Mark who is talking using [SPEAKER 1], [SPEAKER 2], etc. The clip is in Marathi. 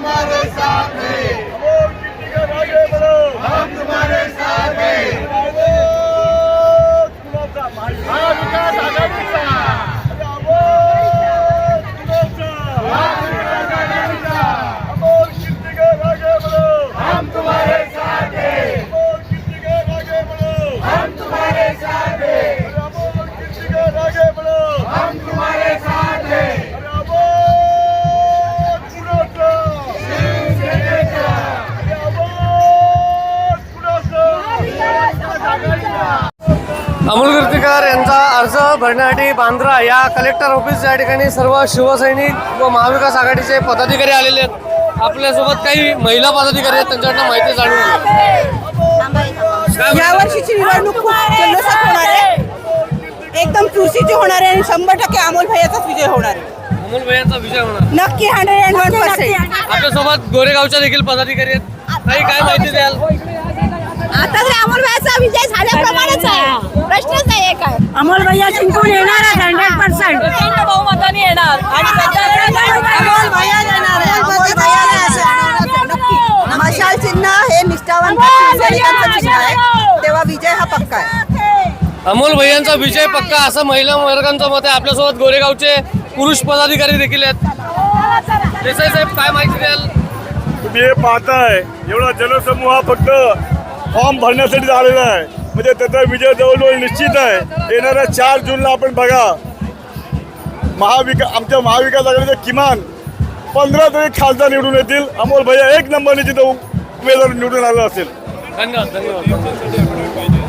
[SPEAKER 1] तुम्हारे साथ हैं,
[SPEAKER 2] अमोल कीर्तिकर आगे बढ़ो,
[SPEAKER 1] हम तुम्हारे साथ हैं।
[SPEAKER 2] महाविकास आघाडीचा अमोल कीर्तिकर आगे बढ़ो,
[SPEAKER 1] हम तुम्हारे साथ हैं,
[SPEAKER 2] अमोल कीर्तिकर आगे बढ़ो,
[SPEAKER 1] हम तुम्हारे साथ हैं,
[SPEAKER 2] अमोल कीर्तिकर आगे बढ़ो,
[SPEAKER 1] हम तुम्हारे साथ हैं।
[SPEAKER 3] अमोल कीर्तिकर यांचा अर्ज भरण्यासाठी बांद्रा या कलेक्टर ऑफिस या ठिकाणी सर्व शिवसैनिक व महाविकास आघाडीचे पदाधिकारी आलेले आहेत. आपल्यासोबत काही महिला पदाधिकारी आहेत, त्यांच्याकडनं माहिती जाणून घेऊ.
[SPEAKER 4] या वर्षीची निवडणूक खूप जल्लोषात होणार आहे, एकदम चुरशीची होणार आहे आणि 100% अमोल भैयाचाच विजय होणार आहे.
[SPEAKER 3] अमोल भैयांचा विजय होणार.
[SPEAKER 4] नक्की 101%.
[SPEAKER 3] आपल्यासोबत गोरेगावच्या देखील पदाधिकारी आहेत. काही काय माहिती द्याल?
[SPEAKER 4] आता तर अमोल भैयाचा विजय झाल्याप्रमाणेच आहे, प्रश्नच नाही काय.
[SPEAKER 5] अमोल भैया जिंकून येणार 100%.
[SPEAKER 4] बहुमताने येणार आणि अमोल भैया येणार आहे. अमोल भैयाला असं नक्की. मशाल चिन्ह हे निष्ठावंत शिवसैनिकांचं चिन्ह आहे, तेव्हा विजय हा पक्का आहे.
[SPEAKER 3] अमोल भैयांचा विजय पक्का असं महिला वर्गांचं मत आहे. आपल्यासोबत गोरेगावचे पुरुष पदाधिकारी देखील आहेत. देसाई साहेब, काय माहिती द्याल?
[SPEAKER 2] तुम्ही हे पाहताय, एवढा जनसमूह हा फक्त फॉर्म भरण्यासाठी आलेला आहे, म्हणजे त्याचा विजय जवळजवळ निश्चित आहे. येणाऱ्या 4 जूनला आपण बघा, आमच्या महाविकास आघाडीचे किमान 15 तरी खासदार निवडून येतील. अमोल भैया 1 नंबरने तिथं उमेदवार निवडून आला असेल.
[SPEAKER 3] धन्यवाद.